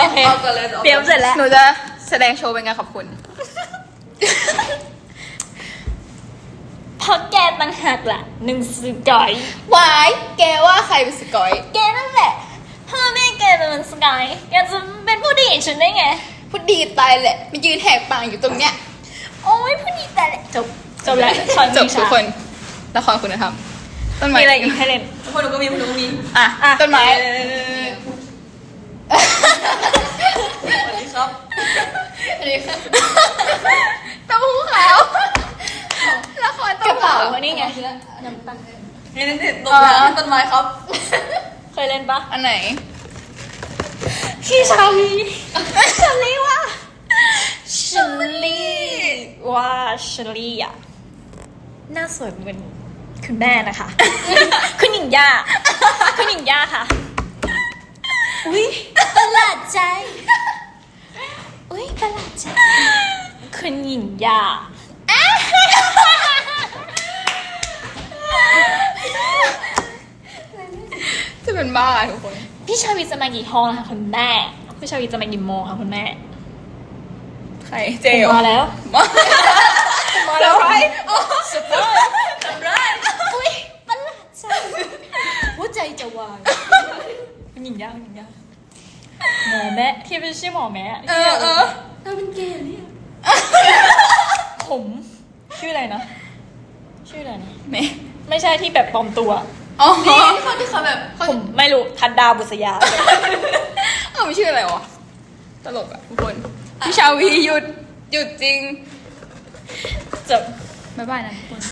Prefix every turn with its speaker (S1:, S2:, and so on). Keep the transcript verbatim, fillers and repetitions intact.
S1: โอเค
S2: เอาก่อนเลย
S1: เตรียมเสร็จแล้ว
S3: หนูจะแสดงโชว์เป็นไงขอบคุณ
S1: เพราะแกต่างหากล่ะหนึ่งสกอยว
S3: ายแกว่าใครเป็นสกอย
S1: แกนั่นแหละพ่อแม่แกเป็นสกายแกจะเป็นผู้ดีฉันได้ไง
S3: พูดดีตายแหละมายืนแหกปากอยู่ตรงเนี้ย
S1: โอ้ยผู้ดีแต่ละจบจบแล้วช้อน
S3: จบ
S1: มี
S3: ทุก
S1: ชา
S3: คนละครคุณธรรมต้นไม้
S1: มีอะไรอีกให้เล่น
S2: ทุกคนหนูก็มีหนูก็มี
S3: อ่ะ
S1: อ่ะ
S3: ต้นไม้
S2: สวัสดีครับ
S3: อันนี้ค่ะเต้าหู้ขาวละคร
S1: ก
S3: เต้า
S1: ระ
S3: หู้
S1: เป๋า
S3: ขาว
S1: อันนี้ไงน้ำตาล
S2: นี่นี่ต้นไม้ต้นไม้ครับ
S1: เคยเล่นปะ
S3: อันไหน
S1: พี่ชาวีชาลีว่าชาลีว่าชาลีอ่ะหน้าสวยเหมือนคุณแม่นะคะ คุณหญิงย่าคุณหญิงย่าค่ะอุ้ยประหลาดใจอุ้ยประหลาดใจคุณหญิงย่า
S3: จะเป็นบ้าทุกคน
S1: พี่ชาวีจะมากี่ห้องนะคะคุณแม่พี่ชาวีจะมากี่โมงคะคุณแม่
S3: ใครเจล
S1: มาแล้ว
S3: มา
S1: มา
S3: เซ
S1: แล้
S3: อ
S1: ว
S3: ร์ไพรส์
S1: สุดยอดสุดยอดอุ้ยประหลาดใจหัวใจจะวายคุณหญิงย่าคุณหญิงย่าหมอแม่ที่เป็นชื่อหมอแม่
S3: เออเออ
S1: เธอเป็นเกย์เนี่ยผมชื่ออะไรนะ ชื่ออะไรนะ
S3: แม่
S1: ไม่ใช่ที่แบบปลอมตัว
S3: อ๋อ
S2: นี่คนที่เขาแบบ
S1: ผมไม่รู้ทัดดาวบุษยา
S3: เอ้ามันชื่ออะไรวะตลกอ่ะทุกคนพี่ชาวีหยุดหยุดจริง
S1: จบ
S3: บ๊ายบายนะทุกคน